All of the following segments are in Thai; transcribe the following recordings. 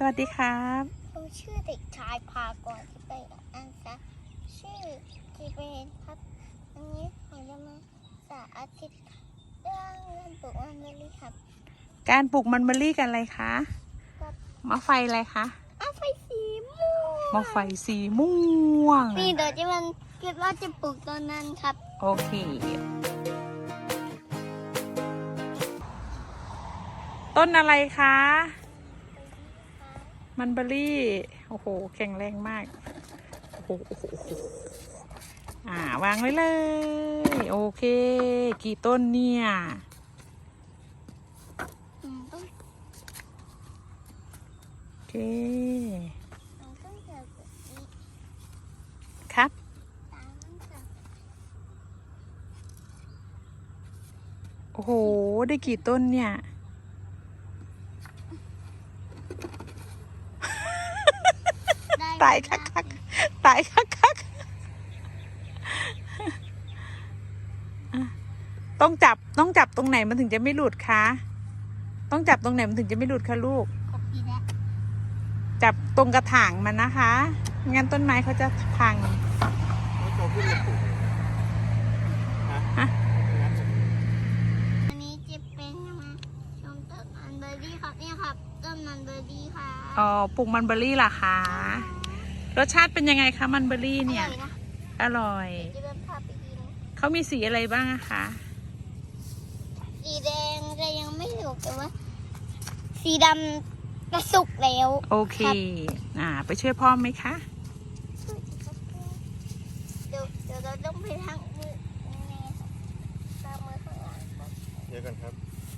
วัสดีครับผมชื่อเด็กชายพากรที่เป็นอันซะชื่อจีเบนครับวันนี้ผมจะมาสาธิตเรื่องการปลูกมันเบอรี่ครับการปลูกมันเบอรี่กันอะไรคะกับมะไฟอะไรคะไฟสีม่วงมะไฟสีม่วงนี่เดี๋ยวจะมันคิดว่าจะปลูกตอนนั้นครับโอเค ต้นอะไรคะ มันเบอรี่โอ้โหแข็งแรงมากโอ้โหวางไว้เลยโอเคกี่ต้นเนี่ยต้องโอเคต้องเจอแบบนี้ครับตามต้องเจอโอ้โหได้กี่ต้นเนี่ยตายคักตายคักต้องจับตรงไหนมันถึงจะไม่หลุดคะต้องจับตรงไหนมันถึงจะไม่หลุดคะลูกจับตรงกระถางมันนะคะงั้นต้นไม้เขาจะพังอันนี้จะเป็นชมต้นมันเบอรี่ครับนี่ครับต้นมันเบอรี่ค่ะอ๋อปลูกมันเบอรี่เหรอคะรสชาติเป็นยังไงคะมันเบอรี่เนี่ยอร่อยเขามีสีอะไรบ้างอะคะสีแดงแต่ยังไม่สุกแต่ว่าสีดำกระสุกแล้วโอเคไปช่วยพ่อไหมคะเดี๋ยวเราต้องไปทางมือนี่ตามมือข้างหลังครับเดี๋ยวกันครับ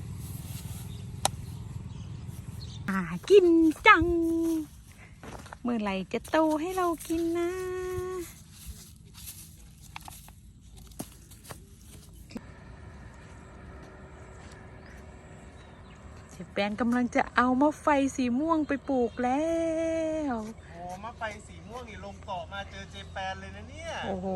กินจังเมื่อไหร่จะโตให้เรากินนะเจแปนกำลังจะเอามะไฟสีม่วงไปปลูกแล้วโอ้มะไฟสีม่วงนี่ลงเกาะมาเจอเจแปนเลยนะเนี่ยโอ้โห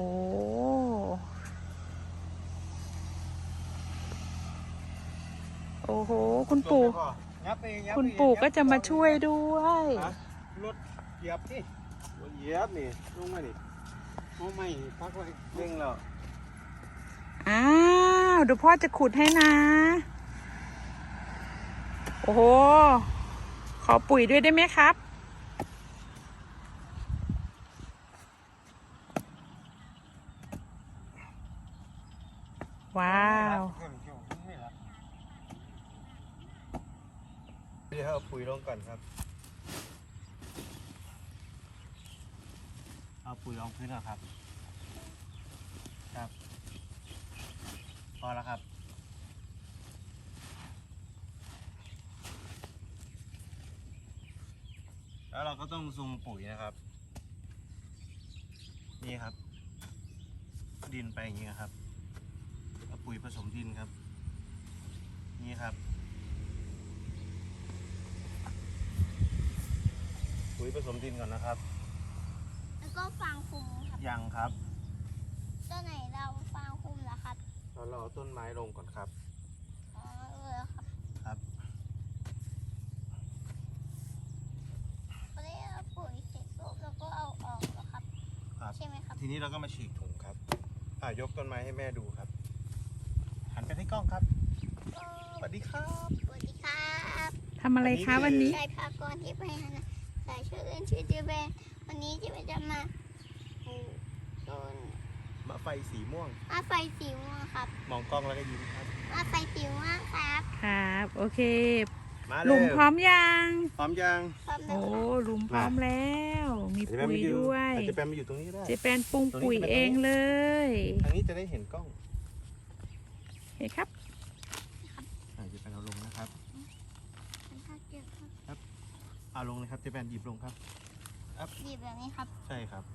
โอ้โหคุณปู่ก็จะมาช่วยด้วยรถเหยียบนี่รถเหยียบนี่ลงมาดิเอาไม่พักไว้เร่งแล้วเดี๋ยวพ่อจะขุดให้นะโอ้โหขอปุ๋ยด้วยได้ไหมครับว้าวเดี๋ยวเอาปุ๋ยลงก่อนครับเอาปุ๋ยลงพื้นก่อนครับพอแล้วครับแล้วเราก็ต้องซุงปุ๋ยนะครับนี่ครับดินไปอย่างนี้ครับเอาปุ๋ยผสมดินครับนี่ครับปุ๋ยผสมดินก่อนนะครับแล้วก็ฟางคลุมครับยังครับต้นไหนเราฟางคลุมเหรอครับเราเอาต้นไม้ลงก่อนครับครับพอได้เอาปุ๋ยเสร็จแล้วก็เอาออกแล้วครับใช่ไหมครับทีนี้เราก็มาฉีกถุงครับยกต้นไม้ให้แม่ดูครับหันไปที่กล้องครับสวัสดีครับสวัสดีครับทำอะไรคะวันนี้ชายพากรที่ไปนะสายชื่อเล่นชื่อเจเบนวันนี้จะมาปลูกต้นมะไฟสีม่วงมะไฟสีม่วงครับมองกล้องแล้วก็ยิ้มครับมะไฟสีม่วงครับครับโอเคมาหลุมพร้อมยังพร้อมยังโอ้หลุมพร้อมแล้วมีปุ๋ยด้วยเจแปนมาอยู่ตรงนี้ได้เจแปนปรุงปุ๋ยเองเลยทางนี้จะได้เห็นกล้องเห็นครับเจแปนเอาลงนะครับเอาลงเลยครับเจแปนหยิบลงครับหยิบแบบนี้ครับใช่ครับ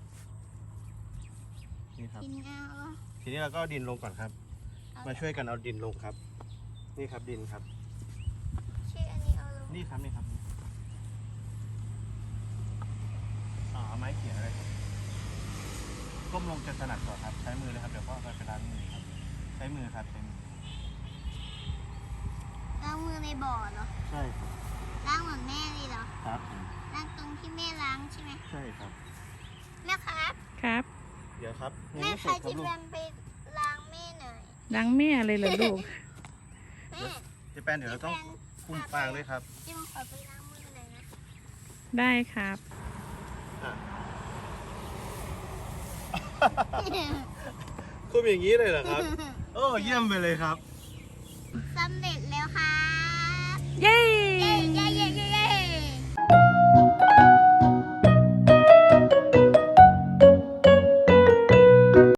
นี่ครับทีนี้เราก็ดินลงก่อนครับมาช่วยกันเอาดินลงครับนี่ครับดินครับนี่ครับเอาไม้เขี่ยอะไรครับก้มลงจะถนัดกว่าครับใช้มือเลยครับเดี๋ยวพ่อไปล้างมือครับใช้มือครับล้างมือในบ่อเหรอใช่ครับล้างเหมือนแม่เลยเหรอครับล้างตรงที่แม่ล้างใช่ไหมใช่ครับแม่ครับครับเดี๋ยวครับยังแม่ไม่ใคเสรร็จครับที่ลูกแบนไปล้างแม่หน่อยล้างแม่เลยเหรอลูกแม่เจแปนเดี๋ยวเราต้องคุมฟางด้วยครับจิ้มขอไปล้างมือหน่อยนะได้ครับคุมอย่างนี้เลยเหรอครับ โอ้เยี่ยมไปเลยครับ